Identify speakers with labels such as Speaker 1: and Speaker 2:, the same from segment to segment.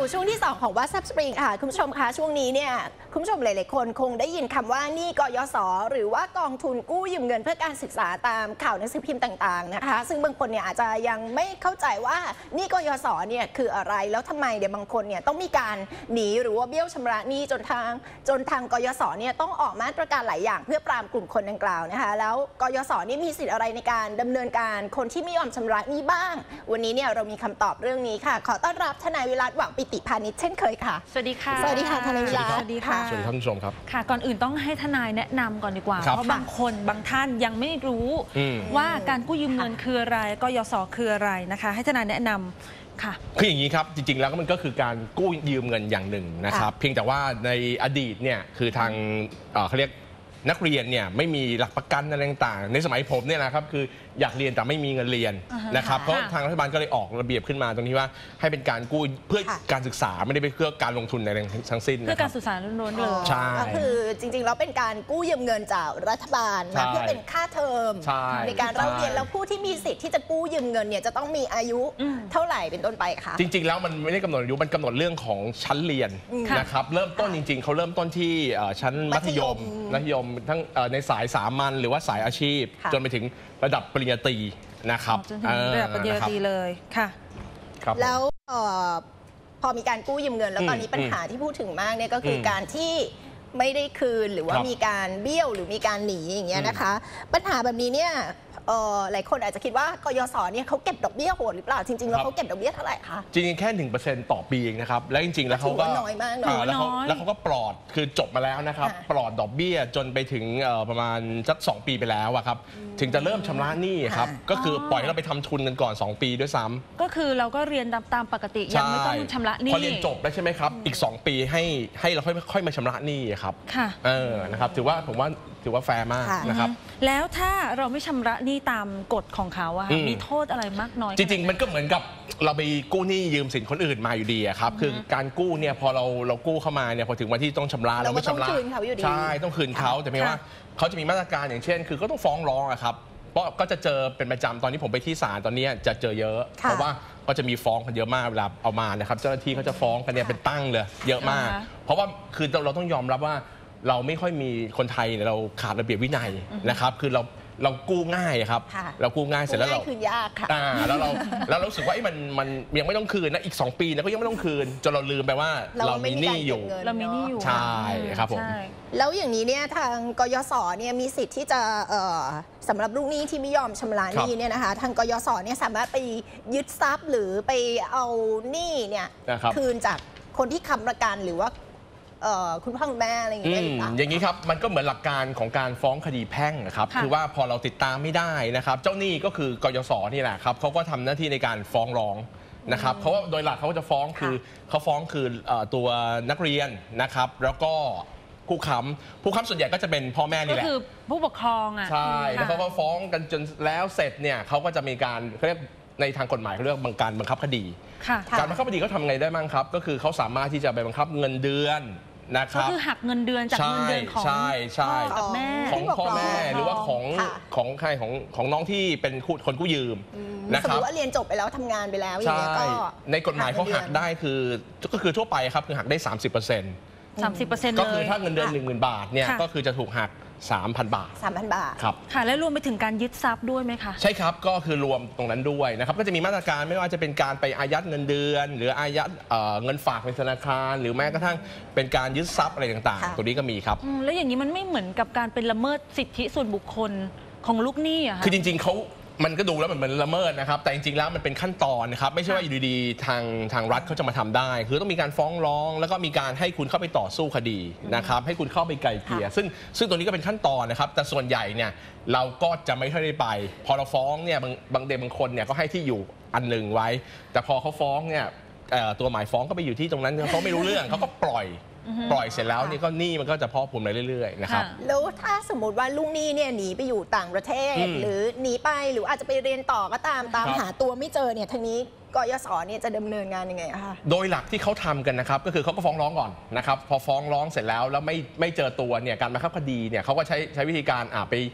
Speaker 1: ช่วงที่2ของ WhatsApp Spring ค่ะคุณผู้ชมคะช่วงนี้เนี่ยคุณผู้ชมหลายๆคนคงได้ยินคำว่าหนี้กยศหรือว่ากองทุนกู้ยืมเงินเพื่อการศึกษาตามข่าวหนังสือพิมพ์ต่างๆนะคะซึ่งบางคนเนี่ยอาจจะยังไม่เข้าใจว่าหนี้กยศเนี่ยคืออะไรแล้วทำไมเดี๋ยวบางคนเนี่ยต้องมีการหนีหรือว่าเบี้ยวชำระหนี้จนทางกยศเนี่ยต้องออกมาตรการหลายอย่างเพื่อปรามกลุ่มคนดังกล่าวนะคะแล้วกยศนี่มีสิทธิ์อะไรในการดำเนินการคนที่ไม่ยอมชำระหนี้บ้างวันนี้เนี่ยเรามีคำตอบเรื่องนี้ค่ะขอต้อนรับทนายวิรัต หวังปิติพานิชเช่นเคยค่ะ
Speaker 2: สวัสดีค่ะ
Speaker 1: สวัสดีค่ะทนายวิรัต
Speaker 2: สวัสดีค่ะ
Speaker 3: สวัสดีท่านผู้ชมครับ
Speaker 2: ค่ะก่อนอื่นต้องให้ทนายแนะนำก่อนดีกว่าเพราะบางคนบางท่านยังไม่รู้ว่าการกู้ยืมเงินคืออะไรกยศคืออะไรนะคะให้ทนายแนะนำค่ะ
Speaker 3: คืออย่างนี้ครับจริงๆแล้วมันก็คือการกู้ยืมเงินอย่างหนึ่งนะครับเพียงแต่ว่าในอดีตเนี่ยคือทางเขาเรียกนักเรียนเนี่ยไม่มีหลักประกันอะไรต่างๆในสมัยผมเนี่ยนะครับคืออยากเรียนแต่ไม่มีเงินเรียนนะครับเพราะทางรัฐบาลก็เลยออกระเบียบขึ้นมาตรงที่ว่าให้เป็นการกู้เพื่อการศึกษาไม่ได้เพื่อการลงทุนในทั้งสิ้น
Speaker 2: เพื่อการศึกษาล้วนๆเลย
Speaker 3: ใช่
Speaker 1: ก็คือจริงๆแล้วเป็นการกู้ยืมเงินจากรัฐบาลมาเพื่อเป็นค่าเทอมในการเรียนแล้วผู้ที่มีสิทธิ์ที่จะกู้ยืมเงินเนี่ยจะต้องมีอายุเท่าไหร่เป็นต้นไปคะ
Speaker 3: จริงๆแล้วมันไม่ได้กำหนดอายุมันกำหนดเรื่องของชั้นเรียนนะครับเริ่มต้นจริงๆเขาเริ่มต้นที่ชั้นมัธยมทั้งในสายสามัญหรือว่าสายอาชีพจนไปถึงระดับปริญญาตรีนะครับ
Speaker 2: จนถึงระดับปริญญาตรีเลยค่ะ
Speaker 1: แล้วพอมีการกู้ยืมเงินแล้วตอนนี้ปัญหาที่พูดถึงมากเนี่ยก็คือการที่ไม่ได้คืนหรือว่ามีการเบี้ยวหรือมีการหนีอย่างเงี้ยนะคะปัญหาแบบนี้เนี่ยหลายคนอาจจะคิดว่ากยศเนี่ยเขาเก็บดอกเบี้ยโหดหรือเปล่าจริงๆแล้วเขาเก็บดอกเบี้ยเท่าไหร่คะ
Speaker 3: จริงๆแค่ 1% ต่อปีเองนะครับแล้วจริงๆแล้วเขาก็
Speaker 1: น้อยมาก
Speaker 3: แล้วเขาก็ปลอดคือจบมาแล้วนะครับปลอดดอกเบี้ยจนไปถึงประมาณสัก2 ปีไปแล้วครับถึงจะเริ่มชำระหนี้ครับก็คือปล่อยให้เราไปทำทุนกันก่อน2 ปีด้วยซ้ำ
Speaker 2: ก็คือเราก็เรียนตามปกติยังไม่ต้องชำระหนี้
Speaker 3: พอเรียนจบแล้วใช่ไหมครับอีก2 ปีให้เราค่อยมาชำระหนี้ครับ
Speaker 2: ค่ะ
Speaker 3: นะครับถือว่าแฟร์มากนะครับ
Speaker 2: แล้วถ้าเราไม่ชำระหนี้ตามกฎของเขาอะมีโทษอะไรมากน้อย
Speaker 3: จริงๆมันก็เหมือนกับเราไปกู้หนี้ยืมสินคนอื่นมาอยู่ดีครับคือการกู้เนี่ยพอเรากู้เข้ามาเนี่ยพอถึงวันที่ต้องชำระเราไม่ชำระใช่ต้องคืนเขาแต่ไม่ว่าเขาจะมีมาตรการอย่างเช่นคือก็ต้องฟ้องร้องครับเพราะก็จะเจอเป็นประจำตอนที่ผมไปที่ศาลตอนนี้จะเจอเยอะเพราะว่าก็จะมีฟ้องกันเยอะมากเวลาเอามานะครับเจ้าหน้าที่เขาจะฟ้องกันเนี่ยเป็นตั้งเลยเยอะมากเพราะว่าคือเราต้องยอมรับว่าเราไม่ค่อยมีคนไทยเราขาดระเบียบวินัยนะครับคือเรากู้ง่ายครับเรากู้ง่ายเสร็จแล้วเรา
Speaker 1: คืนยากค่ะ
Speaker 3: แล้วเรารู้สึกว่ามันยังไม่ต้องคืนนะอีก2 ปีนะก็ยังไม่ต้องคืนจนเราลืมไปว่าเรามีหนี้อยู่ใช่ครับผม
Speaker 1: แล้วอย่างนี้เนี่ยทางกยศเนี่ยมีสิทธิ์ที่จะสำหรับลูกหนี้ที่ไม่ยอมชำระหนี้เนี่ยนะคะทางกยศเนี่ยสามารถไปยึดทรัพย์หรือไปเอาหนี้เนี่ยคืนจากคนที่ค้ำประกันหรือว่าคุณพ่อคุณแม่อะไรอย่างเงี้ย
Speaker 3: อย่างนี้ครับมันก็เหมือนหลักการของการฟ้องคดีแพ่งนะครับคือว่าพอเราติดตามไม่ได้นะครับเจ้าหนี้ก็คือกยศนี่แหละครับเขาก็ทำหน้าที่ในการฟ้องร้องนะครับเพราะว่าโดยหลักเขาจะฟ้องคือตัวนักเรียนนะครับแล้วก็ผู้ค้ำส่วนใหญ่ก็จะเป็นพ่อแม่นี่แหละ
Speaker 2: ก็คือผู้ปกครอง
Speaker 3: ใช่แล้วเขาก็ฟ้องกันจนแล้วเสร็จเนี่ยเขาก็จะมีการเขาเรียกในทางกฎหมายเขาเรียกการบังคับคดีการบังคับคดีเขาทำไงได้บ้างครับก็คือเขาสามารถที่จะไปบังคับเงินเดือนนะครับ
Speaker 2: ก็คือหักเงินเดือนจากเงินเดือนของพ่อกับแม่
Speaker 3: ของพ่อแม่หรือว่าของใครของน้องที่เป็นคนกู้ยืม
Speaker 1: นะครับสมมติว่าเรียนจบไปแล้วทำงานไปแล้วอย่างเงี้ยก็
Speaker 3: ในกฎหมายเขาหักได้ก็คือทั่วไปครับคือหักได้ 30%ก็คือถ้าเงินเดือน 10,000 บาทเนี่ยก็คือจะถูกหัก3,000 บาทครับ
Speaker 2: ค่ะและรวมไปถึงการยึดทรัพย์ด้วยไหมคะ
Speaker 3: ใช่ครับก็คือรวมตรงนั้นด้วยนะครับก็จะมีมาตรการไม่ว่าจะเป็นการไปอายัดเงินเดือนหรืออายัดเงินฝากในธนาคารหรือแม้กระทั่งเป็นการยึดทรัพย์อะไรต่างๆตัวนี้ก็มีครับ
Speaker 2: แล้วอย่างนี้มันไม่เหมือนกับการเป็นละเมิดสิทธิส่วนบุคคลของลูกหนี้อะ
Speaker 3: คือจริงๆมันก็ดูแล้วเหมือนละเมิดนะครับแต่จริงๆแล้วมันเป็นขั้นตอนนะครับไม่ใช่ว่าอยู่ดีๆทางรัฐเขาจะมาทำได้คือต้องมีการฟ้องร้องแล้วก็มีการให้คุณเข้าไปต่อสู้คดีนะครับให้คุณเข้าไปไกลเกลี่ยซึ่งตัวนี้ก็เป็นขั้นตอนนะครับแต่ส่วนใหญ่เนี่ยเราก็จะไม่ค่อยได้ไปพอเราฟ้องเนี่ยบางคนเนี่ยก็ให้ที่อยู่อันหนึ่งไว้แต่พอเขาฟ้องเนี่ยตัวหมายฟ้องก็ไปอยู่ที่ตรงนั้นเขาไม่รู้เรื่องเขาก็ปล่อยเสร็จแล้วนี่ก็หนี้มันก็จะพอกพูนไปเรื่อยๆนะครับ
Speaker 1: แล้วถ้าสมมติว่าลูกหนี้เนี่ยหนีไปอยู่ต่างประเทศหรือหนีไปหรืออาจจะไปเรียนต่อก็ตามหาตัวไม่เจอเนี่ยทางนี้กยศเนี่ยจะดำเนินงานยังไงคะ
Speaker 3: โดยหลักที่เขาทำกันนะครับก็คือเขาก็ฟ้องร้องก่อนนะครับพอฟ้องร้องเสร็จแล้วไม่เจอตัวเนี่ยการบังคับคดีเนี่ยเขาก็ใช้วิธีการไป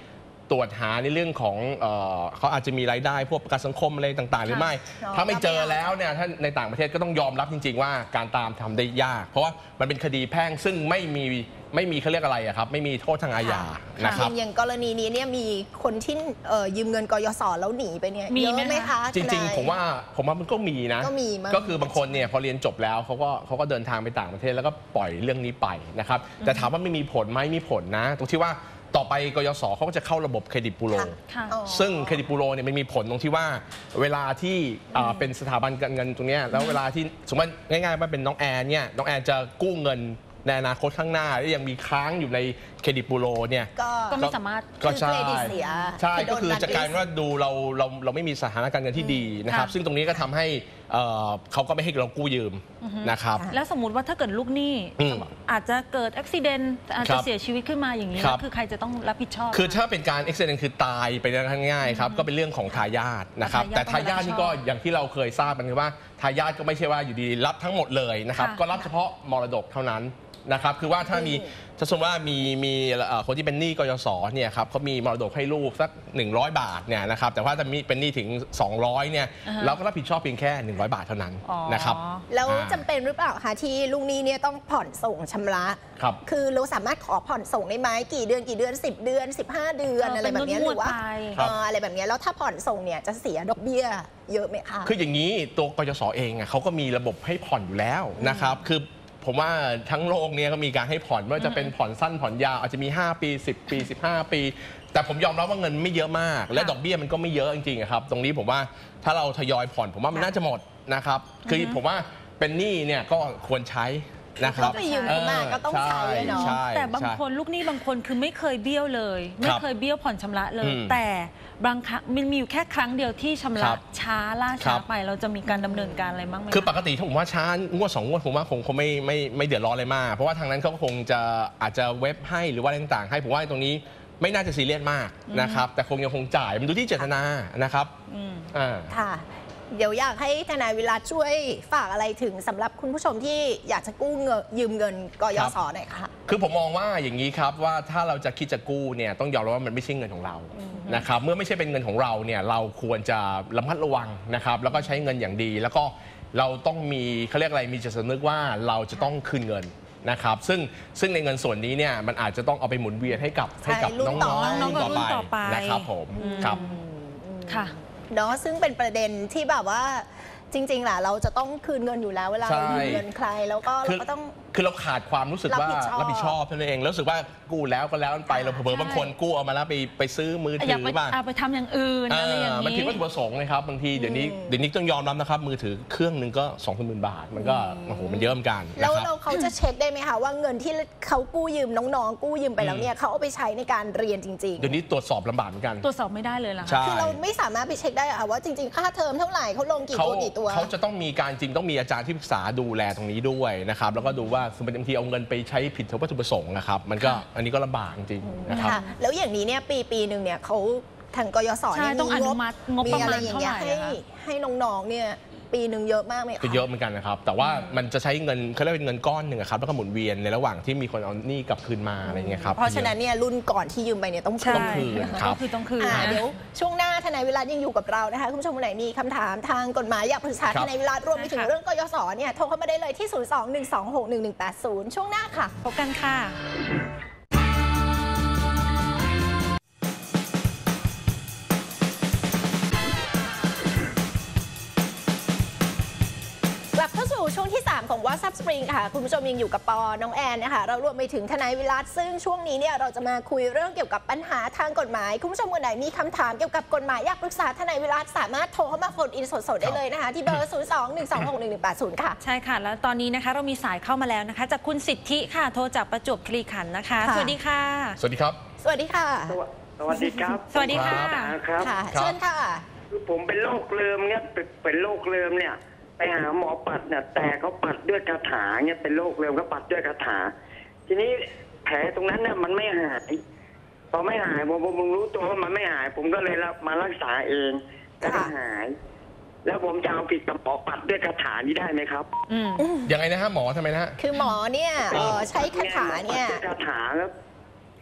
Speaker 3: ตรวจหาในเรื่องของเขาอาจจะมีรายได้พวกประกันสังคมอะไรต่างๆหรือไม่ถ้าไม่เจอแล้วเนี่ยถ้าในต่างประเทศก็ต้องยอมรับจริงๆว่าการตามทำได้ยากเพราะว่ามันเป็นคดีแพ่งซึ่งไม่มีเขาเรียกอะไรครับไม่มีโทษทางอาญานะครับ
Speaker 1: อย่างกรณีนี้เนี่ยมีคนที่ยืมเงินกยศแล้วหนีไปเนี่ยเยอะไหมคะ
Speaker 3: จริงๆผมว่ามันก็มีนะก็คือบางคนเนี่ยพอเรียนจบแล้วเขาก็เดินทางไปต่างประเทศแล้วก็ปล่อยเรื่องนี้ไปนะครับแต่ถามว่าไม่มีผลไหมมีผลนะตรงที่ว่าต่อไปกยศเขาก็จะเข้าระบบเครดิตบูโรซึ่งเครดิตบูโรเนี่ยมันมีผลตรงที่ว่าเวลาที่เป็นสถาบันการเงินตรงนี้แล้วเวลาที่สมมติง่ายๆว่าเป็นน้องแอนเนี่ยน้องแอนจะกู้เงินในอนาคตข้างหน้าและยังมีค้างอยู่ในเครดิตบูโรเนี่ย
Speaker 2: ก็ไม่สามารถ
Speaker 3: ก็ใช่ใช่ก็คือจะกลายเป็นว่าดูเราไม่มีสถานะการเงินที่ดีนะครับซึ่งตรงนี้ก็ทำให้เขาก็ไม่ให้เรากู้ยืมนะครับ
Speaker 2: แล้วสมมุติว่าถ้าเกิดลูกหนี้อาจจะเกิดอุบัติเหตุอาจจะเสียชีวิตขึ้นมาอย่างนี้แล้วคือใครจะต้องรับผิดชอบ
Speaker 3: คือถ้าเป็นการอุบัติเหตุคือตายไปง่ายๆครับก็เป็นเรื่องของทายาทนะครับแต่ทายาทนี่ก็อย่างที่เราเคยทราบกันคือว่าทายาทก็ไม่ใช่ว่าอยู่ดีรับทั้งหมดเลยนะครับก็รับเฉพาะมรดกเท่านั้นนะครับคือว่าถ้าสมมติว่ามีคนที่เป็นหนี้กยศเนี่ยครับเขามีมรดกให้ลูกสัก100 บาทเนี่ยนะครับแต่ว่าถ้ามีเป็นหนี้ถึง200เนี่ยเราก็รับผิดชอบเพียงแค่100 บาทเท่านั้นนะครับ
Speaker 1: แล้วจำเป็นหรือเปล่าคะที่ลูกหนี้เนี่ยต้องผ่อนส่งชำระคือเราสามารถขอผ่อนส่งได้ไหมกี่เดือน10 เดือน15 เดือนอะไรแบบนี้หรือว่าอะไรแบบนี้แล้วถ้าผ่อนส่งเนี่ยจะเสียดอกเบี้ยเยอะไหมคะ
Speaker 3: คืออย่างนี้ตัวกยศเองเขาก็มีระบบให้ผ่อนอยู่แล้วนะครับคือผมว่าทั้งโลกนี้ก็มีการให้ผ่อนไม่ว่าจะเป็นผ่อนสั้นผ่อนยาวอาจจะมี5 ปี10 ปี15 ปีแต่ผมยอมรับว่าเงินไม่เยอะมากและดอกเบี้ยมันก็ไม่เยอะจริงๆครับตรงนี้ผมว่าถ้าเราทยอยผ่อนผมว่ามันน่าจะหมดนะครับคือผมว่าเป็นหนี้เนี่ยก็ควรใช้นะครับ
Speaker 1: ไปยืมมาก็ต้องใช้เนาะ
Speaker 2: แต่บางคนลูกหนี้บางคนคือไม่เคยเบี้ยวเลยไม่เคยเบี้ยวผ่อนชำระเลยแต่บางครั้งมันมีอยู่แค่ครั้งเดียวที่ชำระช้าล่าช้าไปเราจะมีการดำเนินการอะไรบ้างไหม
Speaker 3: คือปกติถ้าผมว่าช้างวด2 งวดผมว่าคงไม่เดือดร้อนอะไรมากเพราะว่าทางนั้นเขาคงจะอาจจะเว็บให้หรือว่าอะไรต่างๆให้ผมว่าตรงนี้ไม่น่าจะซีเรียสมากนะครับแต่ยังคงจ่ายมันดูที่เจตนานะครับ
Speaker 1: ค่ะเดี๋ยวอยากให้ทนายวิรัตช่วยฝากอะไรถึงสำหรับคุณผู้ชมที่อยากจะกู้เงินยืมเงินกยศหน่อยค่ะ
Speaker 3: คือผมมองว่าอย่างนี้ครับว่าถ้าเราจะคิดจะกู้เนี่ยต้องยอมรับว่ามันไม่ใช่เงินของเรานะครับเมื่อไม่ใช่เป็นเงินของเราเนี่ยเราควรจะระมัดระวังนะครับแล้วก็ใช้เงินอย่างดีแล้วก็เราต้องมีเขาเรียกอะไรมีจิตสำนึกว่าเราจะต้องคืนเงินนะครับซึ่งในเงินส่วนนี้เนี่ยมันอาจจะต้องเอาไปหมุนเวียนให้กับน้องๆต่อไปนะครับผมครับ
Speaker 2: ค่ะ
Speaker 1: เนาะซึ่งเป็นประเด็นที่แบบว่าจริงๆแหละเราจะต้องคืนเงินอยู่แล้วเวลาเรายืมเงินใครแล้วก็เราก็ต้อง
Speaker 3: คือเราขาดความรู้สึกว่ารับผิดชอบนั่นเองรู้สึกว่ากู้แล้วก็แล้วไปเราเผลอบางคนกู้เอามาแล้วไปซื้อมือถือบ้าง
Speaker 2: ไปทำอย่างอื่นอะไรอย่างนี้
Speaker 3: มันผิดวัตถุประสงค์นะครับบางทีเดี๋ยวนี้ต้องยอมรับนะครับมือถือเครื่องนึงก็ 20,000 บาทมันก็โอ้โหมันเยอะเหมือนกัน
Speaker 1: แล้วเขาจะเช็คได้ไหมคะว่าเงินที่เขากู้ยืมน้องๆกู้ยืมไปแล้วเนี่ยเขาเอาไปใช้ในการเรียนจริงๆ
Speaker 3: เดี๋ยวนี้ตรวจสอบลำบากเหมือนกัน
Speaker 2: ตรวจสอบไม่ได้เลยล่ะ
Speaker 1: คือเราไม่สามารถไปเช็คได้ค่ะว่าจริงๆค่าเทอมเท่าไหร่เขาลงกี่ตัว
Speaker 3: เขาจะต้องมีการจริงต้องมีอาจารย์ที่ปรึกษาดูแลตรงนี้ด้วยนะครับแล้วก็ดูว่าสมมติบางทีเอาเงินไปใช้ผิดวัตถุประสงค์นะครับมันก็อันนี้ก็ลำบากจริงนะครับ
Speaker 1: แล้วอย่างนี้เนี่ยปีหนึ่งเนี่ยเขาทางกยศ
Speaker 2: ต้องอนุมัติงบประมาณเท่าไหร่
Speaker 1: ให้น้องๆเนี่ยปีหนึ่งเยอะมากไหม
Speaker 3: คะเยอะเหมือนกันนะครับแต่ว่ามันจะใช้เงินเขาเรียกเป็นเงินก้อนหนึ่งครับแล้วก็หมุนเวียนในระหว่างที่มีคนเอาหนี้กลับคืนมาอะไรเงี้ยครับ
Speaker 1: เพราะฉะนั้นเนี่ยรุ่นก่อนที่ยืมไปเนี่ยต้องคืน
Speaker 3: ครับ
Speaker 2: ต้องคืน
Speaker 1: เดี๋ยวช่วงหน้าทนายวิรัตยังอยู่กับเรานะคะคุณผู้ชมคนไหนมีคำถามทางกฎหมายอยากปรึกษาทนายวิรัตรวมไปถึงเรื่องกยศเนี่ยโทรเข้ามาได้เลยที่02-126-1180ช่วงหน้าค่ะ
Speaker 2: พบกันค่ะ
Speaker 1: ช่วงที่3ของ WhatsApp Spring ค่ะคุณผู้ชมยังอยู่กับปอน้องแอนนะคะเรารวมไปถึงทนายวิรัตซึ่งช่วงนี้เนี่ยเราจะมาคุยเรื่องเกี่ยวกับปัญหาทางกฎหมายคุณผู้ชมคนไหนมีคำถามเกี่ยวกับกฎหมายอยากปรึกษาทนายวิรัตสามารถโทรเข้ามาโฟนอินสดๆได้เลยนะคะที่เบอร์ 02-126-1180 ค่ะ
Speaker 2: ใช่ค่ะแล้วตอนนี้นะคะเรามีสายเข้ามาแล้วนะคะจากคุณสิทธิค่ะโทรจากประจวบคีรีขันธ์นะคะสวัสดีค่ะ
Speaker 3: สวัสดีครับ
Speaker 1: สวัสดีค่ะ
Speaker 4: สวัสดีครับ
Speaker 2: สวัสดีค่ะ
Speaker 1: ค่ะเชิญค่ะ
Speaker 4: ผมเป็นโรคเริมเนี่ยเป็นโรคเริมเนี่ยไปหาหมอปัดเนี่ยแต่เขาปัดด้วยคาถาเนี่ยเป็นโรคเริมเขาปัดด้วยคาถาทีนี้แผลตรงนั้นเนี่ยมันไม่หายพอไม่หายผมรู้ตัวว่ามันไม่หายผมก็เลยมารักษาเองแต่ไม่หายแล้วผมจะเอาผิดกับหมอปัดด้วยคาถานี้ได้ไหมครับ
Speaker 3: ยังไงนะฮะหมอทำไมนะ
Speaker 1: คือหมอเนี่ยใช้คาถาเนี่ย
Speaker 4: คาถาแล้ว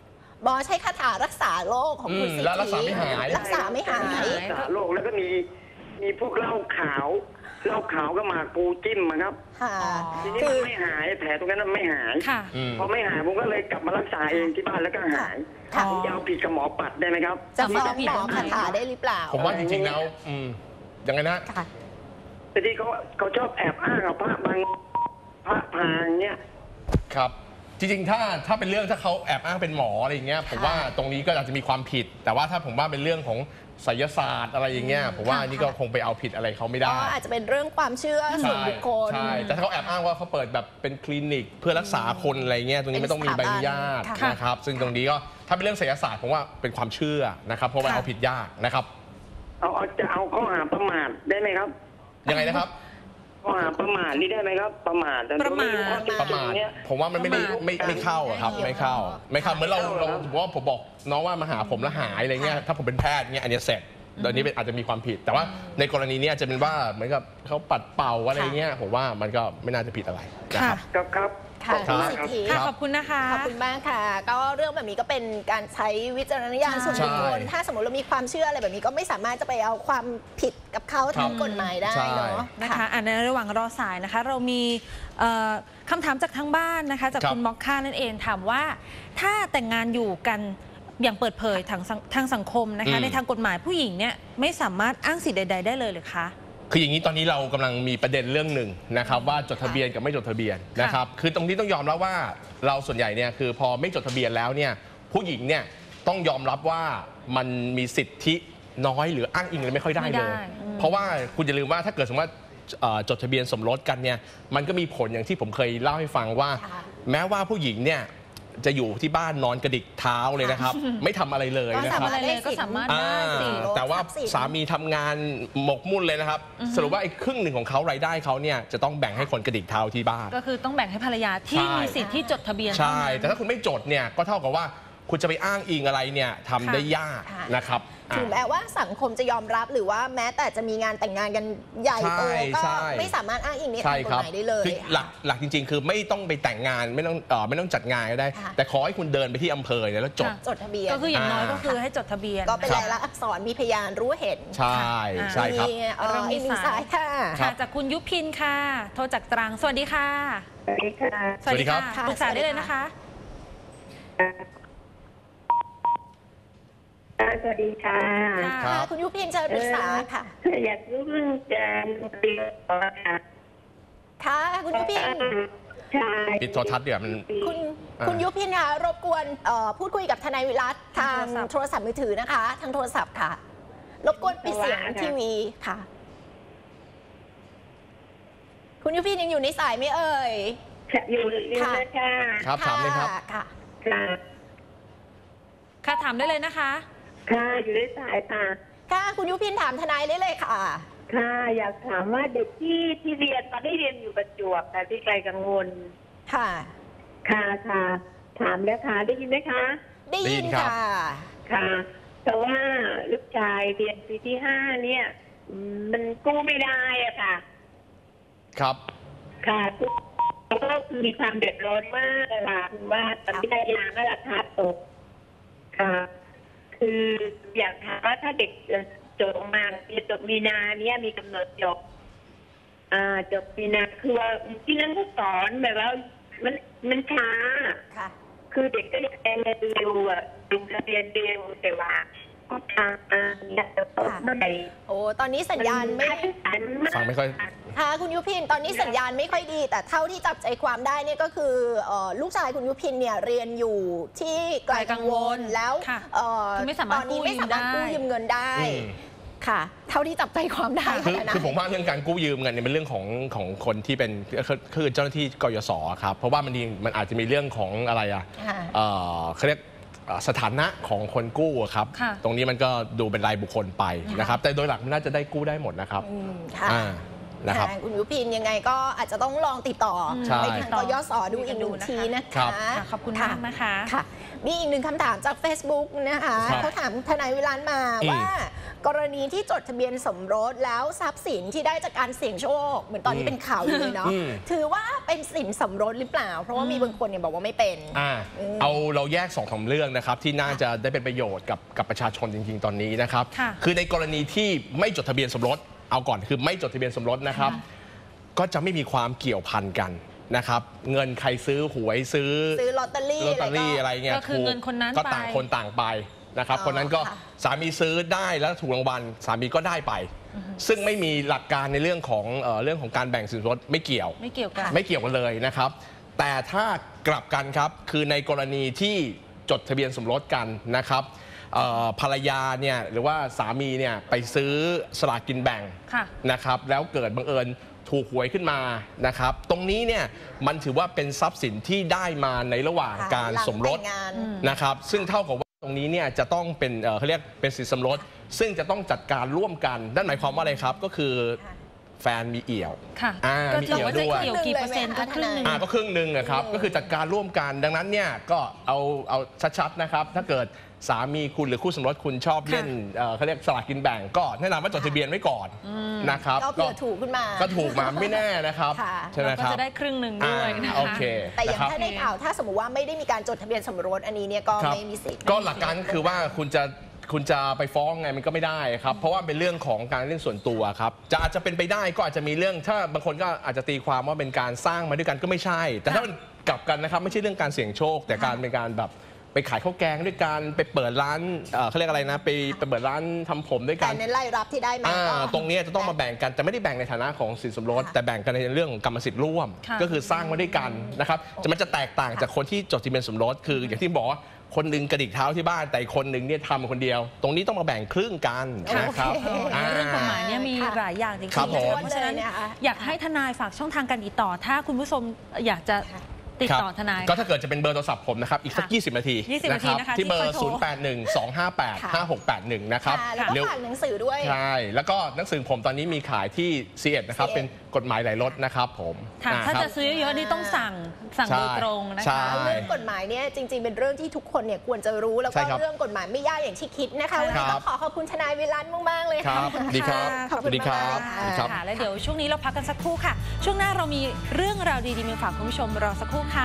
Speaker 1: หมอใช้คาถารักษาโรคของคุณสิทธิ
Speaker 3: แล้วรักษาไม่หาย
Speaker 1: รักษาไม่หาย
Speaker 4: รักษาโรคแล้วก็มีพวกเหล้าขาวก็มาปูจิ้มมาครับ
Speaker 1: ค่ะ
Speaker 4: ทีนี้มันไม่หายแผลตรงนั้นมันไม่หาย
Speaker 2: ค่ะ
Speaker 4: พอไม่หายผมก็เลยกลับมารักษาเองที่บ้านแล้วก็หาย
Speaker 1: ค่ะ
Speaker 4: ผมจะเอาผิดกับหมอปัดได้ไหมครับ
Speaker 1: จะฟ้องหมอคาถาได้หรือเปล่า
Speaker 3: ผมว่าจริงๆแล้วยังไงนะ
Speaker 1: ค่ะ
Speaker 4: แต่ที่เขาชอบแอบอ้างเอาพระพางเนี่ย
Speaker 3: ครับจริงๆถ้าเป็นเรื่องถ้าเขาแอบอ้างเป็นหมออะไรอย่างเงี้ยผมว่าตรงนี้ก็อาจจะมีความผิด แต่ว่าถ้าผมว่าเป็นเรื่องของไสยศาสตร์อะไรอย่างเงี้ยผมว่านี่ก็คงไปเอาผิดอะไรเขาไม่ได้
Speaker 1: ก็อาจจะเป็นเรื่องความเชื่อส่วนบุคคล
Speaker 3: ใช่แต่ถ้าเขาแอบอ้างว่าเขาเปิดแบบเป็นคลินิกเพื่อรักษาคนอะไรเงี้ยตรงนี้ไม่ต้องมีใบอนุญาต
Speaker 1: ค่ะ
Speaker 3: นะครับซึ่งตรงนี้ก็ถ้าเป็นเรื่องไสยศาสตร์ผมว่าเป็นความเชื่อนะครับเพราะว่าเอาผิดยากนะครับ
Speaker 4: จะเอาข้อหาประมาทได้ไหมครับ
Speaker 3: ยังไงนะครับ
Speaker 4: ข้อหาประมาทนี่ได้ไหมครับ ประมาทแต่
Speaker 2: ประมาท
Speaker 3: ประมาทผมว่ามันไม่เข้าอะครับไม่เข้าเหมือนเราว่าผมบอกน้องว่ามาหาผมแล้วหายอะไรเงี้ยถ้าผมเป็นแพทย์เงี้ยอันนี้เสร็จตอนนี้อาจจะมีความผิด แต่ว่าในกรณีนี้อาจจะเป็นว่าเหมือนกับเขาปัดเป่าอะไรเงี้ยผมว่ามันก็ไม่น่าจะผิดอะไรนะครับ
Speaker 4: ครับ
Speaker 1: ค่ะ
Speaker 3: ครั
Speaker 1: คุณ
Speaker 3: บ
Speaker 1: สิทธิ
Speaker 2: ค่ะขอบคุณนะคะ
Speaker 1: ขอบคุณมากค่ะ ก็เรื่องแบบนี้ก็เป็นการใช้วิจารณญาณส่วนบุคคล
Speaker 3: ใช่
Speaker 1: ถ้าสมมติเรามีความเชื่ออะไรแบบนี้ก็ไม่สามารถจะไปเอาความผิดกับเขาทางกฎหมายได้เนาะ
Speaker 2: นะคะในระหว่างรอสายนะคะ เรามีคำถามจากทางบ้านนะคะ จากคุณม็อกค่านั่นเองถามว่าถ้าแต่งงานอยู่กันอย่างเปิดเผยทางสังคมนะคะในทางกฎหมายผู้หญิงเนี่ยไม่สามารถอ้างสิทธิ์ใดๆได้เลยหรือคะ
Speaker 3: คืออย่างนี้ตอนนี้เรากำลังมีประเด็นเรื่องหนึ่งนะครับว่าจดทะเบียนกับไม่จดทะเบียนนะครับคือตรงนี้ต้องยอมรับว่าเราส่วนใหญ่เนี่ยคือพอไม่จดทะเบียนแล้วเนี่ยผู้หญิงเนี่ยต้องยอมรับว่ามันมีสิทธิน้อยหรืออ้างอิงอะไรไม่ค่อยได้เลย เพราะว่าคุณอย่าลืมว่าถ้าเกิดสมมติว่าจดทะเบียนสมรสกันเนี่ยมันก็มีผลอย่างที่ผมเคยเล่าให้ฟังว่า แม้ว่าผู้หญิงเนี่ยจะอยู่ที่บ้านนอนกระดิกเท้าเลยนะครับ ไม่ทำอะไรเลยนะครับ
Speaker 2: อะไรเลยก็สามารถได้สิ
Speaker 3: แต่ว่าสามีทำงานหมกมุ่นเลยนะครับ สรุปว่าไอ้ครึ่งหนึ่งของเขารายได้เขาเนี่ยจะต้องแบ่งให้คนกระดิกเท้าที่บ้าน
Speaker 2: ก็คือต้องแบ่งให้ภรรยาที่มีสิทธิ์ที่จดทะเบียน
Speaker 3: ใช่ แต่ถ้าคุณไม่จดเนี่ยก็เท่ากับว่าคุณจะไปอ้างอิงอะไรเนี่ยทำได้ยากนะครับ
Speaker 1: ถึงแม้ว่าสังคมจะยอมรับหรือว่าแม้แต่จะมีงานแต่งงานกันใหญ่โตก็ไม่สามารถอ้างอิงในทางกฎหมายได้เลย
Speaker 3: คือหลักจริงๆ คือไม่ต้องไปแต่งงานไม่ต้องจัดงานก็ได้ แต่ขอให้คุณเดินไปที่อำเภอเนี่ยแล้วจด
Speaker 1: ทะเบียน
Speaker 2: ก็คืออย่างน้อยก็คือให้จดทะเบียน
Speaker 1: ก็เป็นลายลักษณ์อักษรมีพยานรู้เห็น
Speaker 3: ใช่ครับ
Speaker 2: เรามี
Speaker 1: สายค่ะ
Speaker 2: ค่ะจากคุณยุพินค่ะ โทรจากตรังสวัสดีค่ะ
Speaker 4: สวัสดีค่ะ
Speaker 3: สวัสดีครับ
Speaker 2: ปรึกษาได้เลยนะคะ
Speaker 4: สวัสดีค่ะ
Speaker 3: ครับ
Speaker 1: คุณยุพินเชิญปรึกษาค่ะ
Speaker 4: อยากรู้เรื่องการเรียนต่อค่ะ
Speaker 1: ค่ะคุณยุพิน
Speaker 4: ใช่
Speaker 3: ปิดโทรทัศน์เดี๋ยวมัน
Speaker 1: คุณยุพินค่ะรบกวนพูดคุยกับทนายวิรัตทางโทรศัพท์มือถือนะคะ ทางโทรศัพท์ค่ะ รบกวนปิดเสียงทีวีค่ะ คุณยุพินยังอยู่ในสายไหมเอ่ย
Speaker 4: อยู่นะคะ
Speaker 3: ครับถามเลยครับ
Speaker 1: ค่ะ
Speaker 4: ค่ะ
Speaker 2: ค่ะถามได้เลยนะคะ
Speaker 4: ค่ะอยู่ในสายค่ะ
Speaker 1: ค่ะคุณยุพินถามทนายได้เลยค่ะ
Speaker 4: ค่ะ อยากถามว่าเด็กที่เรียนตอนที่เรียนอยู่ประจวบแต่ที่ไกลกังวล
Speaker 1: ค่ะ
Speaker 4: ค่ะถามแล้วค่ะได้ยินไหมคะ
Speaker 1: ได้ยินค่ะ
Speaker 4: ค่ะแต่ว่าลูกชายเรียนปีที่5เนี่ยมันกู้ไม่ได้อะค่ะ
Speaker 3: ครับ
Speaker 4: ค่ะก็มีความเดือดร้อนมากเลยค่ะคือว่าตอนที่ได้ยางก็ราคาตกค่ะคืออยากถามว่าถ้าเด็กจบมาจบมีนาเนี่ยมีกำหนดจบมีนาคือว่าที่นั่นก็สอนแบบว่ามันช้า
Speaker 1: ค่ะ
Speaker 4: คือเด็กก็อยากเรียนเร็วอ่ะลงทะเบียนเร็วแต่ว่าก็ช้าเนี่ยจะตกเมื่อไหร่
Speaker 1: โอ้ตอนนี้สัญญาณไม่
Speaker 3: ฟังไม่ค่อย
Speaker 1: ค่ะคุณยุพินตอนนี้สัญญาณไม่ค่อยดี แต่เท่าที่จับใจความได้เนี่ยก็คือลูกชายคุณยุพินเนี่ยเรียนอยู่ที่ไกลกังวลแล้ว
Speaker 2: ค่ะ
Speaker 1: ตอนนี้ไม่สามารถกู้ยืมเงินได้ ค่ะ เท่าที่จับใจความได้
Speaker 3: คือผมว่าเรื่องการกู้ยืมเงินเนี่ยเป็นเรื่องของคนที่เป็นคือเจ้าหน้าที่กยศครับเพราะว่ามันอาจจะมีเรื่องของอะไรเขาเรียกสถานะของคนกู้ครับตรงนี้มันก็ดูเป็นรายบุคคลไปนะครับแต่โดยหลักมันน่าจะได้กู้ได้หมดนะครับนะครับ
Speaker 1: คุณยุพินยังไงก็อาจจะต้องลองติดต่อไปทางกยศดูอีกหนึ่งทีนะคะ
Speaker 2: ขอบคุณมากนะคะ
Speaker 1: ค่ะมีอีกหนึ่งคำถามจาก Facebook นะคะเขาถามทนายวิรัตมาว่ากรณีที่จดทะเบียนสมรสแล้วทรัพย์สินที่ได้จากการเสี่ยงโชคเหมือนตอนนี้เป็นข่าวอยู่เลยเนาะถือว่าเป็นสินสมรสหรือเปล่าเพราะว่ามีบางคนเนี่ยบอกว่าไม่เป็น
Speaker 3: เราแยก2-3เรื่องนะครับที่น่าจะได้เป็นประโยชน์กับประชาชนจริงๆตอนนี้นะครับคือในกรณีที่ไม่จดทะเบียนสมรสเอาก่อนคือไม่จดทะเบียนสมรสนะครับก็จะไม่มีความเกี่ยวพันกันนะครับเงินใครซื้อหวยซื้อ
Speaker 1: ลอตเตอรี่
Speaker 3: อะไรเงี้ย
Speaker 2: ก็คือเงินคนนั้น
Speaker 3: ก็ต่างคนต่างไปนะครับคนนั้นก็สามีซื้อได้แล้วถูกรางวัลสามีก็ได้ไปซึ่งไม่มีหลักการในเรื่องของการแบ่งสินสมรสไม่เกี่ยวกันเลยนะครับแต่ถ้ากลับกันครับคือในกรณีที่จดทะเบียนสมรสกันนะครับภรรยาเนี่ยหรือว่าสามีเนี่ยไปซื้อสลากกินแบ่งนะครับแล้วเกิดบังเอิญถูกหวยขึ้นมานะครับตรงนี้เนี่ยมันถือว่าเป็นทรัพย์สินที่ได้มาในระหว่างการสมรสนะครับซึ่งเท่ากับว่าตรงนี้เนี่ยจะต้องเป็นเขาเรียกเป็นสินสมรสซึ่งจะต้องจัดการร่วมกันนั่นหมายความว่าอะไรครับก็คือแฟนมีเอี่ยว
Speaker 2: มีเอี่ยวด้วยกี่เปอร์เซ็นต์ก็ครึ่งหนึ่ง
Speaker 3: ก็ครึ่งหนึ่งครับก็คือจัดการร่วมกันดังนั้นเนี่ยก็เอาชัดๆนะครับถ้าเกิดสามีคุณหรือคู่สมรสคุณชอบเล่นเขาเรียกสลากกินแบ่งก็แนะนำว่าจดทะเบียนไว้ก่อนนะครับ
Speaker 1: ก็ถูกขึ้นมา
Speaker 3: ก็ถูกมาไม่แน่นะครับใช่ไหมครับ
Speaker 2: ก็จะได้ครึ่งหนึ่งด้วยนะคะ
Speaker 3: โอเค
Speaker 1: แต่อย่างถ้าในข่าวถ้าสมมติว่าไม่ได้มีการจดทะเบียนสมรสอันนี้เนี่ยก็ไม่มีสิทธิ์
Speaker 3: ก็หลักการคือว่าคุณจะไปฟ้องไงมันก็ไม่ได้ครับเพราะว่าเป็นเรื่องของการเรื่องส่วนตัวครับอาจจะเป็นไปได้ก็อาจจะมีเรื่องถ้าบางคนก็อาจจะตีความว่าเป็นการสร้างมาด้วยกันก็ไม่ใช่แต่ถ้ามันกลับกันนะครับไม่ใช่เรื่องการเสี่ยงโชคแต่การเป็นการแบบไปขายข้าวแกงด้วยกันไปเปิดร้านเขาเรียกอะไรนะไปเปิดร้านทำผมด้วยกัน
Speaker 1: ในไล่รับที่ได้มา
Speaker 3: ตรงนี้จะต้องมาแบ่งกันแต่ไม่ได้แบ่งในฐานะของสินสมรสแต่แบ่งกันในเรื่องของกรรมสิทธิ์ร่วมก็คือสร้างมาด้วยกันนะครับมันจะแตกต่างจากคนที่จดทะเบียนสมรสคืออย่างที่บอกว่าคนหนึ่งกระดิกเท้าที่บ้านแต่คนหนึ่งเนี่ยทำคนเดียวตรงนี้ต้องมาแบ่งครึ่งกันนะครับ
Speaker 2: เรื่องกฎหมายเนี่ยมีหลายอย่างจริงๆเพราะฉะนั้นอยากให้ทนายฝากช่องทางการติดต่อถ้าคุณผู้ชมอยากจะติดต่อทนาย
Speaker 3: ก็ถ้าเกิดจะเป็นเบอร์โทรศัพท์ผมนะครับอีกสัก20 นาทีนะครับที่เบอร์ 0812585681 นะครับ
Speaker 1: แล้วก็ฝากหนังสือด้วย
Speaker 3: ใช่แล้วก็หนังสือผมตอนนี้มีขายที่ C1 นะครับเป็นกฎหมายหลายรถนะครับผม
Speaker 2: ถ้าจะซื้อเยอะนี่ต้องสั่งโดยตรงนะคะ
Speaker 1: เรื่องกฎหมายเนี่ยจริงๆเป็นเรื่องที่ทุกคนเนี่ยควรจะรู้แล้วก็เรื่องกฎหมายไม่ยากอย่างที่คิดนะคะวันนี้ต้องขอบคุณทนายวิรัตมากๆเลยค่ะ
Speaker 3: ดีครับ
Speaker 1: ขอบคุณครับ
Speaker 2: และเดี๋ยวช่วงนี้เราพักกันสักครู่ค่ะช่วงหน้าเรามีเรื่องราวดีๆมาฝากคุณผู้ชมรอสักครู่ค่ะ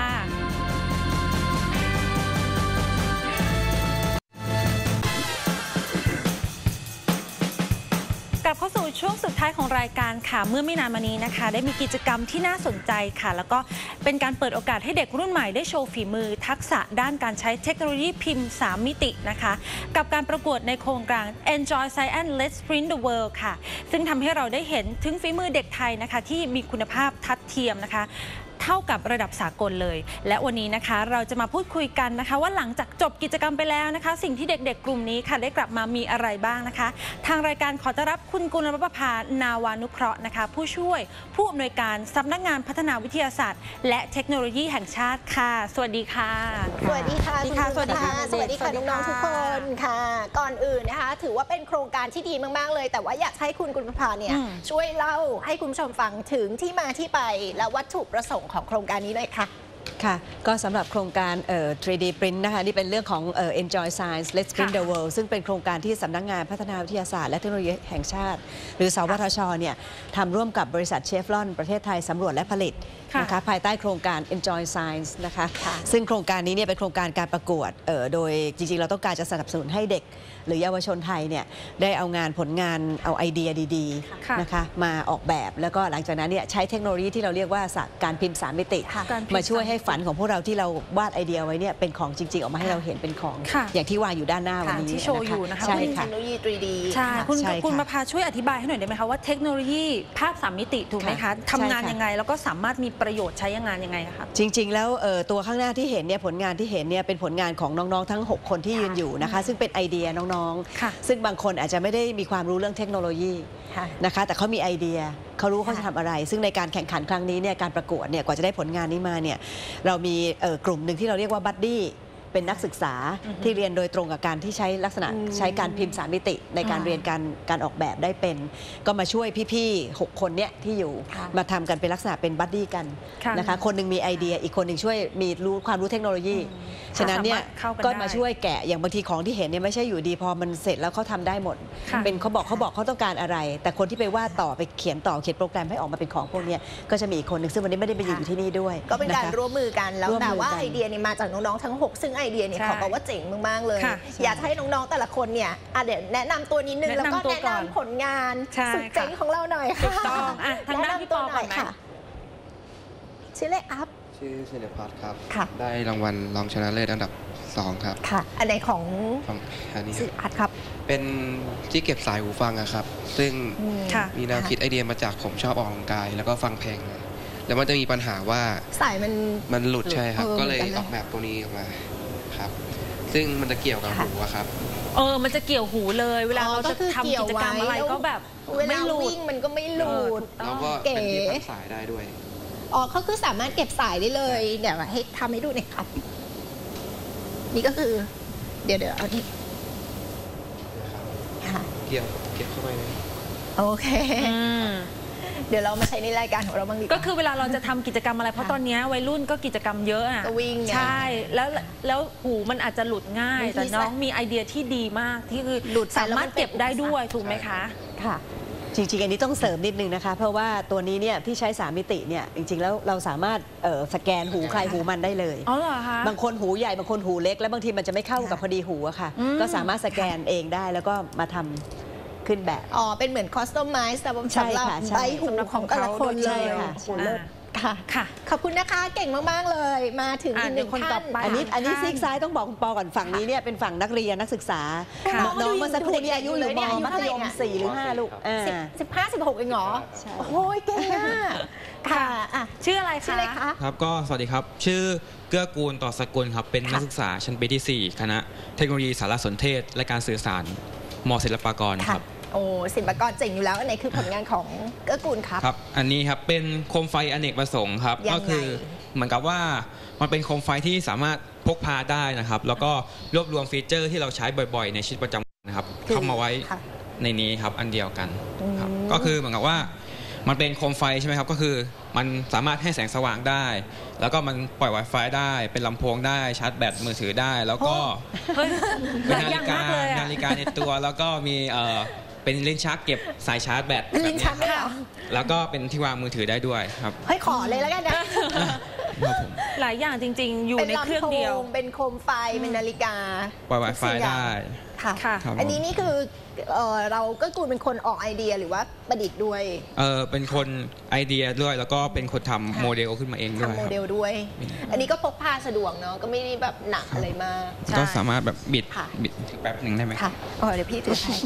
Speaker 2: กลับเข้าสู่ช่วงสุดท้ายของรายการค่ะเมื่อไม่นานมานี้นะคะได้มีกิจกรรมที่น่าสนใจค่ะแล้วก็เป็นการเปิดโอกาสให้เด็กรุ่นใหม่ได้โชว์ฝีมือทักษะด้านการใช้เทคโนโลยีพิมพ์3มิตินะคะกับการประกวดในโครงการ Enjoy Science Let's Print the World ค่ะซึ่งทำให้เราได้เห็นถึงฝีมือเด็กไทยนะคะที่มีคุณภาพทัดเทียมนะคะเท่ากับระดับสากลเลยและวันนี้นะคะเราจะมาพูดคุยกันนะคะว่าหลังจากจบกิจกรรมไปแล้วนะคะสิ่งที่เด็กๆกลุ่มนี้ค่ะได้กลับมามีอะไรบ้างนะคะทางรายการขอต้อนรับคุณกุลประภานาวานุเคราะห์นะคะผู้ช่วยผู้อำนวยการสำนักงานพัฒนาวิทยาศาสตร์และเทคโนโลยีแห่งชาติค่ะสวัสดีค่ะ
Speaker 1: สวัสดีค่ะสวัสดีค่ะสวัสดีค่ะน้องๆทุกคนค่ะก่อนอื่นนะคะถือว่าเป็นโครงการที่ดีมากๆเลยแต่ว่าอยากให้คุณกุลประภาเนี่ยช่วยเล่าให้คุณผู้ชมฟังถึงที่มาที่ไปและวัตถุประสงค์ของโครงการนี้เลยค่ะ
Speaker 5: ค่ะก็สำหรับโครงการ3D Print นะคะนี่เป็นเรื่องของEnjoy Science Let's Print the World ซึ่งเป็นโครงการที่สำนักงานพัฒนาวิทยาศาสตร์และเทคโนโลยีแห่งชาติหรือสวทช.เนี่ยทำร่วมกับบริษัทเชฟรอนประเทศไทยสำรวจและผลิตนะคะภายใต้โครงการ Enjoy Science นะคะซึ่งโครงการนี้เนี่ยเป็นโครงการการประกวดโดยจริงๆเราต้องการจะสนับสนุนให้เด็กหรือเยาวชนไทยเนี่ยได้เอาผลงานเอาไอเดียดีๆนะคะมาออกแบบแล้วก็หลังจากนั้นเนี่ยใช้เทคโนโลยีที่เราเรียกว่าการพิมพ์3มิติมาช่วยให้ฝันของพวกเราที่เราวาดไอเดียไว้เนี่ยเป็นของจริงๆออกมาให้เราเห็นเป็นของอย่างที่วางอยู่ด้านหน้าวันนี้
Speaker 2: ที่โชว์อยู่นะคะ
Speaker 1: ใช่ค่ะเทคโนโลยี 3D
Speaker 2: ใช่คุณมาพาช่วยอธิบายให้หน่อยได้ไหมคะว่าเทคโนโลยีภาพ3มิติถูกไหมคะทำงานยังไงแล้วก็สามารถมีประโยชน์ใช้งานยังไงคะ
Speaker 5: จริงๆแล้วตัวข้างหน้าที่เห็นเนี่ยผลงานที่เห็นเนี่ยเป็นผลงานของน้องๆทั้ง6คนที่ยืนอยู่นะคะซึ่งเป็นไอเดียน้องๆซึ่งบางคนอาจจะไม่ได้มีความรู้เรื่องเทคโนโลยีนะคะแต่เขามีไอเดียเขารู้เขาจะทำอะไรซึ่งในการแข่งขันครั้งนี้เนี่ยการประกวดเนี่ยกว่าจะได้ผลงานนี้มาเนี่ยเรามีกลุ่มหนึ่งที่เราเรียกว่าบัดดี้เป็นนักศึกษาที่เรียนโดยตรงกับการที่ใช้ลักษณะใช้การพิมพ์3 มิติในการเรียนการออกแบบได้เป็นก็มาช่วยพี่ๆ6 คนเนี่ยที่อยู่มาทำกันเป็นลักษณะเป็นบัดดี้กันนะคะคนหนึ่งมีไอเดียอีกคนหนึ่งช่วยมีความรู้เทคโนโลยีฉะนั้นเนี่ยก็มาช่วยแกะอย่างบางทีของที่เห็นเนี่ยไม่ใช่อยู่ดีพอมันเสร็จแล้วเขาทำได้หมดเป็นเขาบอกเขาต้องการอะไรแต่คนที่ไปวาดต่อไปเขียนโปรแกรมให้ออกมาเป็นของพวกนี้ก็จะมีอีกคนหนึ่งซึ่งวันนี้ไม่ได้ไปอยู่ที่นี่ด้วย
Speaker 1: ก็เป็นการร่วมมือกันแล้วแต่ว่าไอเดียนี่มาจากน้องๆทั้ง6ซึ่งไอเดียเนี่ยขอบอกว่าเจ๋งมากๆเลยอยากให้น้องๆแต่ละคนเนี่ยเดี๋ยวแนะนำตัวนิดนึงแล้วก็แนะนำผลงานสุดเจ๋งของเราหน่อยค่ะ
Speaker 2: ทางด้านพี่ปอก่อนไหม
Speaker 1: ชื่ออะไรอัพ
Speaker 6: ชื่อศิลพัฒน์ครับได้รางวัลรองชนะเลิศอันดับ2ครับ
Speaker 1: ค่ะอันไหนของ
Speaker 6: อันนี้
Speaker 1: ศิลพัฒน์ครับ
Speaker 6: เป็นที่เก็บสายหูฟังครับซึ่งมีแนวคิดไอเดียมาจากผมชอบออกกำลังกายแล้วก็ฟังเพลงแล้วมันจะมีปัญหาว่า
Speaker 1: สาย
Speaker 6: มันหลุดใช่ครับก็เลยออกแบบตัวนี้ออกมาครับซึ่งมันจะเกี่ยวกับหูครับ
Speaker 2: มันจะเกี่ยวหูเลยเวลาเราจะทำกิจกรรมอะไรก็แบบ
Speaker 1: ไม่หลุดมันก็ไม่หลุด
Speaker 6: แล้วก็เป็นที่พันสายได้ด้วย
Speaker 1: เขาคือสามารถเก็บสายได้เลยเดี๋ยวให้ทำให้ดูหน่อยครับนี่ก็คือเดี๋ยวเอาที่
Speaker 6: เกี่ยวเข้าไปเลย
Speaker 1: โอเคเดี๋ยวเรามาใช้ในรายการของเราบ้างดี
Speaker 2: ก็คือเวลาเราจะทำกิจกรรมอะไรเพราะตอนนี้วัยรุ่นก็กิจกรรมเยอะ
Speaker 1: ก็วิ่ง
Speaker 2: ใช่แล้วหูมันอาจจะหลุดง่ายแต่น้องมีไอเดียที่ดีมากที่คือสามารถเก็บได้ด้วยถูกไหมคะ
Speaker 5: ค่ะจริงๆอันนี้ต้องเสริมนิดนึงนะคะเพราะว่าตัวนี้เนี่ยที่ใช้ 3 มิติเนี่ยจริงๆแล้วเราสามารถสแกนหูใครหูมันได้เลย
Speaker 2: อ๋อเหรอคะ
Speaker 5: บางคนหูใหญ่บางคนหูเล็กแล้วบางทีมันจะไม่เข้ากับพอดีหูอะค่ะก็สามารถสแกนเองได้แล้วก็มาทำขึ้นแบบ
Speaker 1: เป็นเหมือนคอสตอมไมซ์สำหรับใบหูของแต่ละคนเลยค่ะขอบคุณนะคะเก่งมากๆเลยมาถึงอีก1 คนต่อไป
Speaker 5: อันนี้ซีกซ้ายต้องบอกคุณปอก่อนฝั่งนี้เนี่ยเป็นฝั่งนักเรียนนักศึกษาน้องเมื่อสักครู่นี้อายุหรือมัธยม4 หรือ 5ลูก
Speaker 1: 15-16เองเหรอโอ้ยเก่งมากค่ะ
Speaker 2: ชื่ออะไรคะ
Speaker 7: ครับก็สวัสดีครับชื่อเกื้อกูลต่อสกุลครับเป็นนักศึกษาชั้นปีที่4คณะเทคโนโลยีสารสนเทศและการสื่อสารม.ศิลปากรครับ
Speaker 1: ศิลปากรเจ๋งอยู่แล้วอันไหนคือผลงานของเกื้อกูลครับ
Speaker 7: ครับอันนี้ครับเป็นโคมไฟอเนกประสงค์ครับก็คือเหมือนกับว่ามันเป็นโคมไฟที่สามารถพกพาได้นะครับแล้วก็รวบรวมฟีเจอร์ที่เราใช้บ่อยๆในชีวิตประจำวันนะครับเข้ามาไว้ในนี้ครับอันเดียวกันครับก็คือเหมือนกับว่ามันเป็นโคมไฟใช่ไหมครับก็คือมันสามารถให้แสงสว่างได้แล้วก็มันปล่อย Wi-Fi ได้เป็นลำโพงได้ชาร์จแบตมือถือได้แล้วก็เป็นนาฬิกาในตัวแล้วก็มีเป็นลิ้นชักเก็บสายชาร์จแบต
Speaker 1: ลิ้นชักได้เหรอ
Speaker 7: แล้วก็เป็นที่วางมือถือได้ด้วยครับ
Speaker 1: เฮ้ยขอเลยแล้วกันนะ
Speaker 2: หลายอย่างจริงๆอยู่ในเครื่องเดียว
Speaker 1: เป็นโคมไฟเป็นนาฬิกา
Speaker 7: ปล่อย Wi-Fi ได้
Speaker 1: ค่ะอันนี้นี่คือเราก็กูเป็นคนออกไอเดียหรือว่าประดิษฐ์ด้วย
Speaker 7: เป็นคนไอเดียด้วยแล้วก็เป็นคนทำโมเดลขึ้นมาเองด้วย
Speaker 1: ทำโมเดลด้วยอันนี้ก็พกพาสะดวกเนาะก็ไม่ได้แบบหนักอะไรมาก
Speaker 7: ก็สามารถแบบบิดแป๊บหนึ่งได้ไหม
Speaker 1: ค่ะเดี๋ยวพี่ถือให้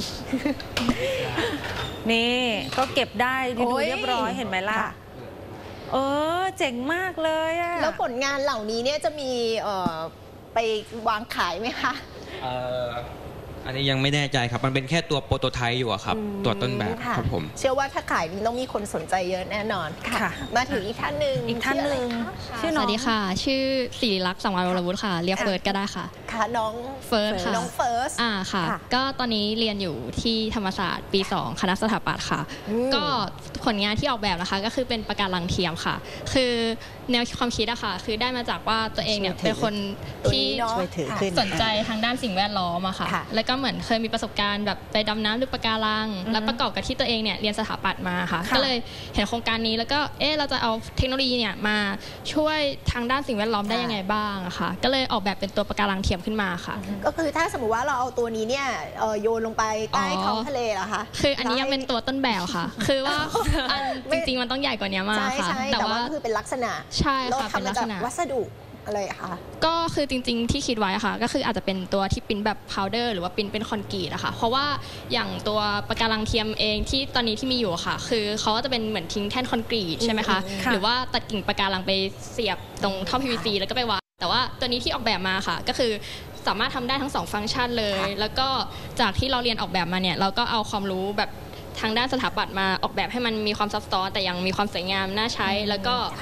Speaker 2: นี่ก็เก็บได้ดูเรียบร้อยเห็นไหมล่ะเจ๋งมากเลยอะ
Speaker 1: แล้วผลงานเหล่านี้เนี่ยจะมีไปวางขายไหมคะ
Speaker 7: อันนี้ยังไม่แน่ใจครับมันเป็นแค่ตัวโปรโตไทป์อยู่ครับตัวต้นแบบครับผม
Speaker 1: เชื่อว่าถ้าขายต้องมีคนสนใจเยอะแน่นอนค่ะมาถึงอีกท่านหนึ่ง
Speaker 8: ชื่อสวัสดีค่ะชื่อศิริลักษณ์สังวรวรวุฒิค่ะเรียกเฟิร์สก็ได้ค่ะ
Speaker 1: ค่ะน้อง
Speaker 8: เฟิร์สค่ะ
Speaker 1: น้องเฟิร์ส
Speaker 8: ค่ะก็ตอนนี้เรียนอยู่ที่ธรรมศาสตร์ปี2คณะสถาปัตย์ค่ะก็ผลงานที่ออกแบบนะคะก็คือเป็นปะการังเทียมค่ะคือแนวความคิดอะค่ะคือได้มาจากว่าตัวเองเนี่ยเป็นคนที่สนใจทางด้านสิ่งแวดล้อมอะค่ะแล้วก็เหมือนเคยมีประสบการณ์แบบไปดำน้ำดูปะการังแล้วประกอบกับที่ตัวเองเนี่ยเรียนสถาปัตย์มาค่ะก็เลยเห็นโครงการนี้แล้วก็เราจะเอาเทคโนโลยีเนี่ยมาช่วยทางด้านสิ่งแวดล้อมได้ยังไงบ้างอะค่ะก็เลยออกแบบเป็นตัวปะการังเทียมขึ้นมาค่ะ
Speaker 1: ก็คือถ้าสมมติว่าเราเอาตัวนี้เนี่ยโยนลงไปใต้ท้องทะเลเหรอคะ
Speaker 8: คืออันนี้ยังเป็นตัวต้นแบบค่ะคือว่าจริงๆมันต้องใหญ่กว่านี้มากค่ะ
Speaker 1: แต่ว่าคือเป็นลักษณะ
Speaker 8: ใช่ค่ะเป็นลักษณะ
Speaker 1: วัสดุอะไรคะ
Speaker 8: ก็คือจริงๆที่คิดไว้ค่ะก็คืออาจจะเป็นตัวที่ปิ้นแบบพาวเดอร์หรือว่าปิ้นเป็นคอนกรีตอะค่ะเพราะว่าอย่างตัวปะการังเทียมเองที่ตอนนี้ที่มีอยู่ค่ะคือเขาจะเป็นเหมือนทิ้งแท่นคอนกรีตใช่ไหมคะหรือว่าตัดกิ่งปะการังไปเสียบตรงท่อ PVC แล้วก็ไปวางแต่ว่าตัวนี้ที่ออกแบบมาค่ะก็คือสามารถทำได้ทั้ง2ฟังก์ชันเลยแล้วก็จากที่เราเรียนออกแบบมาเนี่ยเราก็เอาความรู้แบบทางด้านสถาปัตย์มาออกแบบให้มันมีความซับซ้อนแต่ยังมีความสวยงามน่าใช้แล้วก็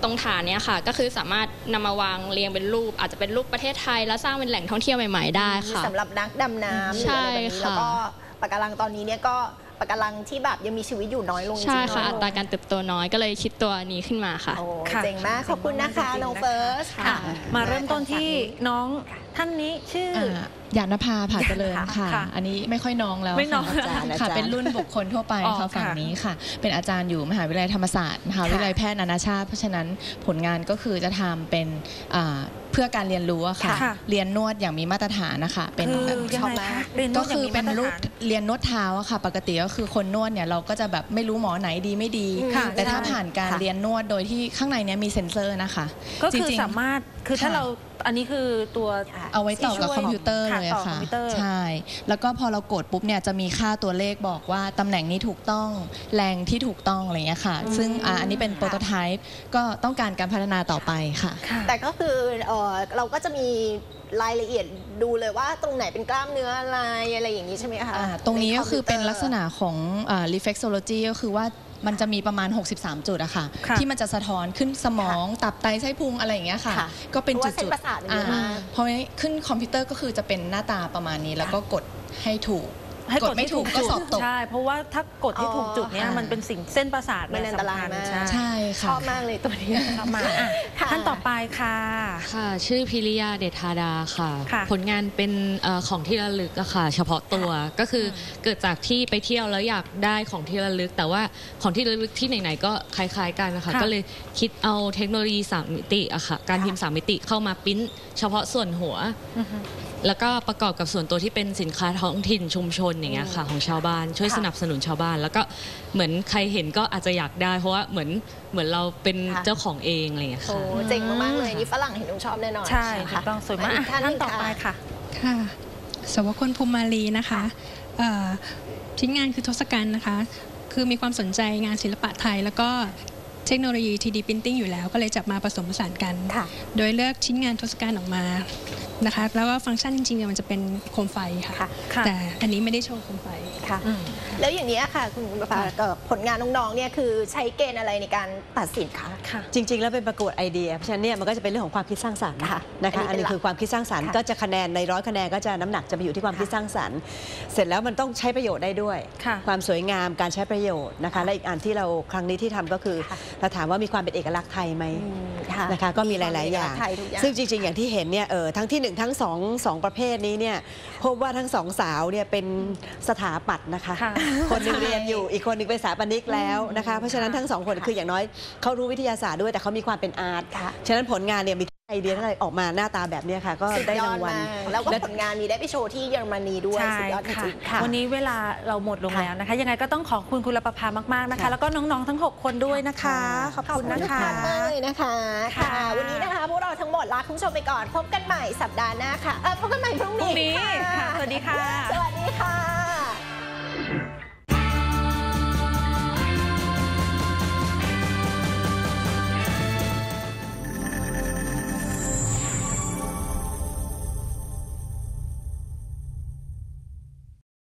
Speaker 8: ตรงฐานเนี้ยค่ะก็คือสามารถนำมาวางเรียงเป็นรูปอาจจะเป็นรูปประเทศไทยแล้วสร้างเป็นแหล่งท่องเที่ยวใหม่ๆได้ค่ะ
Speaker 1: สำหรับนักดำน้ำหรืออะไรแบบนี้แล้วก็ปะการังตอนนี้เนี่ยก็ปะการังที่แบบยังมีชีวิตอยู่น้อยลง
Speaker 8: ใช่ค่ะอัตราการเติบโตน้อยก็เลยคิดตัวนี้ขึ้นมาค่ะ
Speaker 1: เจ๋งมากขอบคุณนะคะน้องเฟิร์ส
Speaker 2: ค่ะมาเริ่มต้นที่น้องท่านนี้ชื่อ
Speaker 9: หยาดนภาผาเจริญค่ะอันนี้ไม่ค่อยน้องแล้วค่ะเป็นรุ่นบุคคลทั่วไปค่ะฝั่งนี้ค่ะเป็นอาจารย์อยู่มหาวิทยาลัยธรรมศาสตร์มหาวิทยาลัยแพทย์นานาชาติเพราะฉะนั้นผลงานก็คือจะทำเป็นเพื่อการเรียนรู้ค่ะเรียนนวดอย่างมีมาตรฐานนะคะเป็นแบบก็คือเป็นรูปเรียนนวดเท้าค่ะปกติก็คือคนนวดเนี่ยเราก็จะแบบไม่รู้หมอไหนดีไม่ดีแต่ถ้าผ่านการเรียนนวดโดยที่ข้างในนี้มีเซ็นเซอร์นะคะ
Speaker 2: ก็คือสามารถคือถ้าเราอันนี้คือตัว
Speaker 9: เอาไว้ต่อกับคอมพิวเตอร์เลยค่ะใช่แล้วก็พอเรากดปุ๊บเนี่ยจะมีค่าตัวเลขบอกว่าตำแหน่งนี้ถูกต้องแรงที่ถูกต้องอะไรเงี้ยค่ะซึ่งอันนี้เป็นโปรโตไทป์ก็ต้องการการพัฒนาต่อไปค่ะ
Speaker 1: แต่ก็คือเราก็จะมีรายละเอียดดูเลยว่าตรงไหนเป็นกล้ามเนื้ออะไรอย่างนี้ใช่ไหมคะ
Speaker 9: ตรงนี้ก็คือเป็นลักษณะของ reflexology ก็คือว่ามันจะมีประมาณ63จุดอะค่ะที่มันจะสะท้อนขึ้นสมองตับไตไส้พุงอะไรอย่างเงี้ยค่ะก็เป็นจุดๆพอขึ้นคอมพิวเตอร์ก็คือจะเป็นหน้าตาประมาณนี้แล้วก็กดให้ถูกกดไม่ถูกก็สอบตก
Speaker 2: ใช่เพราะว่าถ้ากดให้ถูกจุดเนี้ยมันเป็นสิ่งเส้นประสาท
Speaker 1: มันอันตรายมาก
Speaker 9: ใช่ค่ะ
Speaker 1: ชอบมากเลยตัวนี้
Speaker 2: ชอบมากท่านต่อไปค่ะ
Speaker 10: ค่ะชื่อพิริยาเดชธาดาค่ะผลงานเป็นของที่ระลึกอะค่ะเฉพาะตัวก็คือเกิดจากที่ไปเที่ยวแล้วอยากได้ของที่ระลึกแต่ว่าของที่ระลึกที่ไหนๆก็คล้ายๆกันนะคะก็เลยคิดเอาเทคโนโลยี3 มิติอะค่ะการพิมพ์3 มิติเข้ามาปริ้นเฉพาะส่วนหัวแล้วก็ประกอบกับส่วนตัวที่เป็นสินค้าท้องถิ่นชุมชนอย่างเงี้ยค่ะของชาวบ้านช่วยสนับสนุนชาวบ้านแล้วก็เหมือนใครเห็นก็อาจจะอยากได้เพราะว่าเหมือนเราเป็นเจ้าของเองอะไรอย่างเงี้ยค่ะ
Speaker 1: เจ๋งมากๆเลยนี่ฝรั่งเห็นชอบแน่นอน
Speaker 2: ใช่ถูกต้องสวยมากท่านต่อไปค่ะ
Speaker 11: ค่ะสวคนภูมิมาลีนะคะชิ้นงานคือทศกัณฐ์นะคะคือมีความสนใจงานศิลปะไทยแล้วก็เทคโนโลยี 3D Printing อยู่แล้วก็เลยจับมาผสมผสานกันโดยเลือกชิ้นงานทศกัณฐ์ออกมานะคะแล้วก็ฟังก์ชันจริงๆมันจะเป็นโคมไฟค่ะแต่อันนี้ไม่ได้โชว์โคมไฟ
Speaker 1: ค่ะแล้วอย่างนี้ค่ะคุณประภาผลงานน้องๆเนี่ยคือใช้เกณฑ์อะไรในการตัดสินคะ
Speaker 5: จริงๆแล้วเป็นประกวดไอเดียเพราะฉะนั้นเนี่ยมันก็จะเป็นเรื่องของความคิดสร้างสรรค์นะคะอันนี้คือความคิดสร้างสรรค์ก็จะคะแนนใน100 คะแนนก็จะน้ำหนักจะไปอยู่ที่ความคิดสร้างสรรค์เสร็จแล้วมันต้องใช้ประโยชน์ได้ด้วยความสวยงามการใช้ประโยชน์นะคะและอีกอันที่เราครั้งนี้ที่ทำก็คือเราถามว่ามีความเป็นเอกลักษณ์ไทยไหมนะคะก็มีหลายๆอย่างซึ่งจริงๆอย่างที่เห็นเนี่ยทั้งที่1ทั้ง2ประเภทนี้เนี่ยพบว่าทั้ง2สาวเนี่ยเป็นสถาปัตย์นะคะคนนึงเรียนอยู่อีกคนนึงเป็นสถาปนิกแล้วนะคะเพราะฉะนั้นทั้ง2คนคืออย่างน้อยเขารู้วิทยาศาสตร์ด้วยแต่เขามีความเป็นอาร์ตฉะนั้นผลงานเนี่ยมีไอเดียอะไรออกมาหน้าตาแบบนี้ค่ะก็ได้รางวัล
Speaker 1: แล้วก็ผลงานมีได้ไปโชว์ที่เยอรมนีด้วยสุดยอดจริง
Speaker 2: ๆวันนี้เวลาเราหมดลงแล้วนะคะยังไงก็ต้องขอบคุณคุณประภามากๆนะคะแล้วก็น้องๆทั้ง6คนด้วยนะคะขอบคุณนะคะ
Speaker 1: มากเลยนะคะค่ะวันนี้นะคะพวกเราทั้งหมดลาคุณผู้ชมไปก่อนพบกันใหม่สัปดาห์หน้าค่ะพบกันใหม่พรุ่งนี้
Speaker 2: ค่ะสวัสดีค่ะ
Speaker 1: สวัสดีค่ะ